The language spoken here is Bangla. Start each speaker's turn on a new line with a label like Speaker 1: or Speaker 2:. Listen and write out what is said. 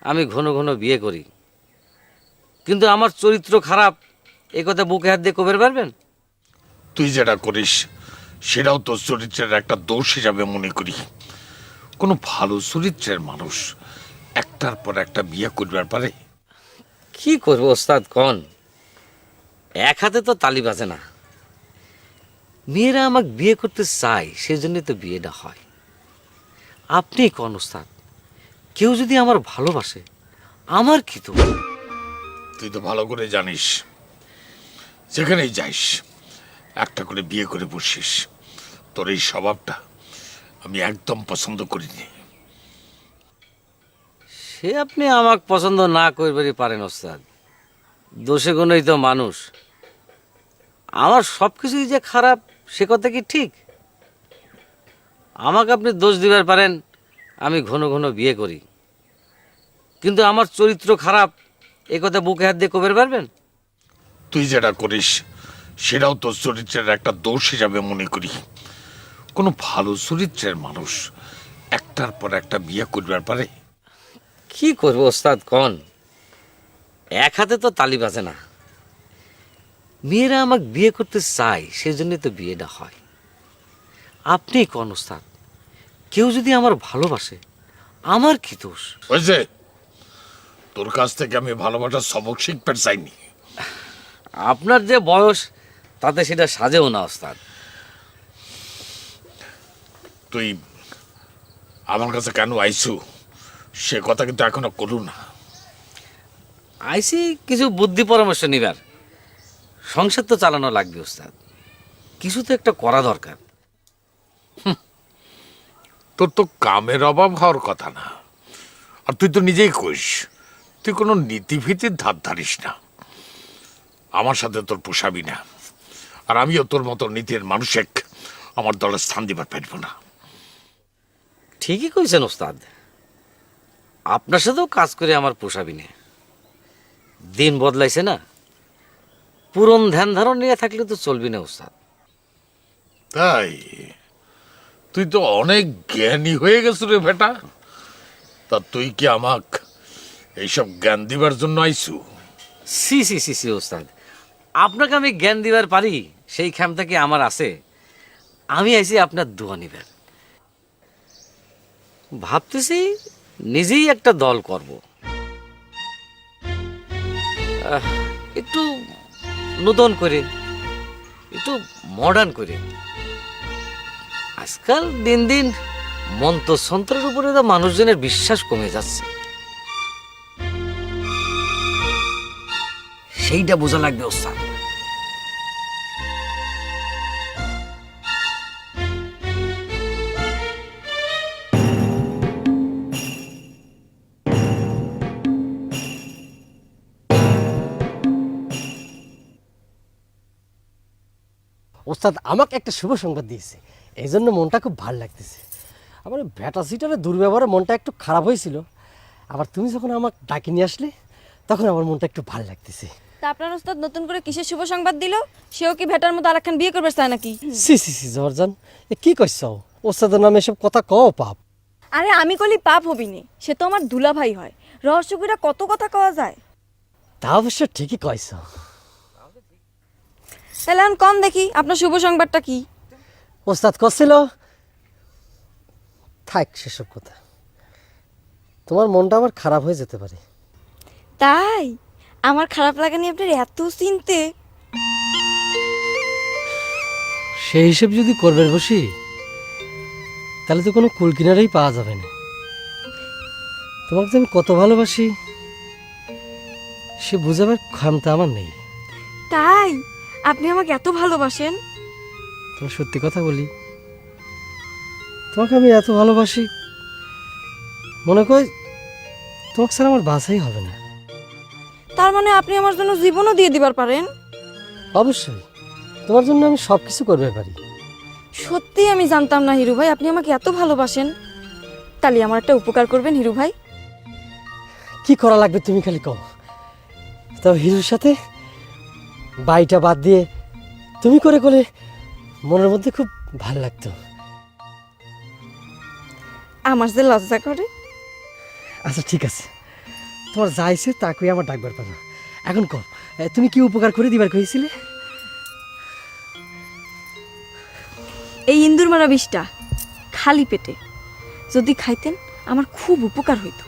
Speaker 1: আমি ঘন ঘন বিয়ে করি, কিন্তু আমার চরিত্র খারাপ, এ কথা বুকে হাত দিয়ে কবের পারবেন?
Speaker 2: তুই যেটা করিস সেটাও তোর চরিত্রের একটা দোষ হিসাবে মনে করি। কোনো ভালো চরিত্রের মানুষ একটার পর একটা বিয়ে করবার পারে?
Speaker 1: কি করবো ওস্তাদ কন, এক হাতে তো তালি বাজে না। মেয়েরা আমাকে বিয়ে করতে চায়, সেজন্যই তো বিয়েটা হয়। আপনি কন ওস্তাদ, কেউ যদি আমার ভালোবাসে, আমার কি তো?
Speaker 2: তুই তো ভালো করে জানিস, যেখানেই যাইস একটা করে বিয়ে করে বসিস। তোর এই স্বভাবটা আমি একদম পছন্দ করিনি।
Speaker 1: সে আপনি আমাকে পছন্দ না করবারই পারেন ওস্তাদ, দোষে গুণই তো মানুষ। আমার সব কিছুই যে খারাপ সে কথা কি ঠিক? আমাকে আপনি দোষ দিবার পারেন আমি ঘন ঘন বিয়ে করি, কিন্তু আমার চরিত্র খারাপ, এ কথা বুকে হাত দিয়ে কবের পারবেন?
Speaker 2: তুই যেটা করিস সেটাও তোর চরিত্রের একটা দোষ হিসাবে মনে করি। কোনো ভালো চরিত্রের মানুষ একটার পর একটা বিয়ে করবার পারে?
Speaker 1: কি করবো ওস্তাদ কন, এক হাতে তো তালি বাজে না। মেয়েরা আমাকে বিয়ে করতে চায়, সেজন্যই তো বিয়েটা হয়। আপনি কন ওস্তাদ, কেউ যদি আমার ভালোবাসে, আমার কি দোষ?
Speaker 2: হয়েছে, তোর কাছ থেকে আমি ভালোবাসার সবক শিখতে চাইনি।
Speaker 1: আপনার যে বয়স, তাতে সেটা সাজেও না ওস্তাদ।
Speaker 2: তুই আমার কাছে কেন আইসু সে কথা কিন্তু এখনো করু না।
Speaker 1: আইসি কিছু বুদ্ধি পরামর্শ নিবার, সংসার তো চালানো লাগবে ওস্তাদ, কিছু তো একটা করা দরকার।
Speaker 2: তোর তো কামের অভাব হওয়ার কথা না, আর তুই তো নিজেই কইস তুই কোনো নীতিভীতির ধার ধারিস না। আমার সাথে তোর পোষাবি না, আর আমিও তোর মতো নীতির মানুষের আমার দলে স্থান দিবার পারব না।
Speaker 1: ঠিকই কইছেন ওস্তাদ, আপনার সাথেও কাজ করে আমার পোষাবি না। দিন বদলাইছে না, পুরন ধ্যান ধারণ নিয়ে থাকলে তো চলবি না ওস্তাদ।
Speaker 2: তাই তুই তো অনেক জ্ঞানী হয়ে গেছ রে বেটা। তা তুই কি আমাক এইসব জ্ঞান দিবার জন্য আইসু?
Speaker 1: সি সি সি সি ওস্তাদ, আপনাকে আমি জ্ঞান দিবার পারি সেই ক্ষমতা কি আমার আছে? আমি আইছি আপনার দোয়া নিবার। ভাবতেছি নিজেই একটা দল করব, একটু নতুন করে, একটু মডার্ন করে। আজকাল দিন দিন মন্ত্রসন্ত্রের উপরে তো মানুষজনের বিশ্বাস কমে যাচ্ছে, সেইটা বোঝা লাগবে ওস্তাদ।
Speaker 3: ওস্তাদ আমাকে একটা শুভ সংবাদ দিয়েছে, এই জন্য মনটা খুব ভালো লাগতেছে। আমার ভ্যাটা সিটারের দুর্ব্যবহারে মনটা একটু খারাপ হয়েছিল, আবার তুমি যখন আমাকে ডাকি নিয়ে আসলে তখন আমার মনটা একটু ভালো লাগতেছে।
Speaker 4: তা আপনার ওস্তাদ নতুন করে কিসের শুভ সংবাদ দিল? সেও কি ভেটার মতো আরেকখান বিয়ে করবে চায় নাকি?
Speaker 3: সি সি সি জর্জান, এ কি কইছ? ওস্তাদের নামে এসব কথা কও পাপ।
Speaker 4: আরে আমি কলি পাপ হবিনি, সে তো আমার দুলা ভাই হয়। রহস্যগুলা কত কথা কওয়া যায়।
Speaker 3: তা অবশ্য ঠিকই কইছ।
Speaker 4: তাহলে এখন কম দেখি আপনার শুভ সংবাদটা কি?
Speaker 3: ওস্তাদ করছিল, থাক সেসব কথা। তোমার মনটা আবার খারাপ হয়ে যেতে পারে।
Speaker 4: তাই আমার খারাপ লাগা নিয়ে আপনার এত চিনতে?
Speaker 3: সেই হিসেব যদি করবেন বসি, তাহলে তো কোনো কুল কিনারেই পাওয়া যাবে না। তোমাকে যে আমি কত ভালোবাসি সে বুঝাবার ক্ষমতা আমার নেই।
Speaker 4: তাই আপনি আমাকে এত ভালোবাসেন?
Speaker 3: তোমার সত্যি কথা বলি, তোমাকে আমি এত ভালোবাসি, মনে করি তোমাকে ছাড়া আমার বাঁচাই হবে না।
Speaker 4: তার মানে আপনি আমার জন্য জীবনও দিয়ে দিবার পারেন?
Speaker 3: অবশ্যই, তোমার জন্য আমি সব কিছু করবে পারি।
Speaker 4: সত্যি আমি জানতাম না হিরু ভাই আপনি আমাকে এত ভালোবাসেন। তাহলে আমার একটা উপকার করবেন হিরু ভাই।
Speaker 3: কি করা লাগবে তুমি খালি কও। তবে হিরুর সাথে বাইটা বাদ দিয়ে তুমি করে করে মনের মধ্যে খুব ভালো লাগতো।
Speaker 4: আমার যে লজ্জা করে।
Speaker 3: আচ্ছা ঠিক আছে, তোমার যাইছে তা কই আমার ডাকবার পারো। এখন কম তুমি কি উপকার করে দিবার কইছিলে?
Speaker 4: এই ইন্দুর মারা বিষটা খালি পেটে যদি খাইতেন আমার খুব উপকার হইতো।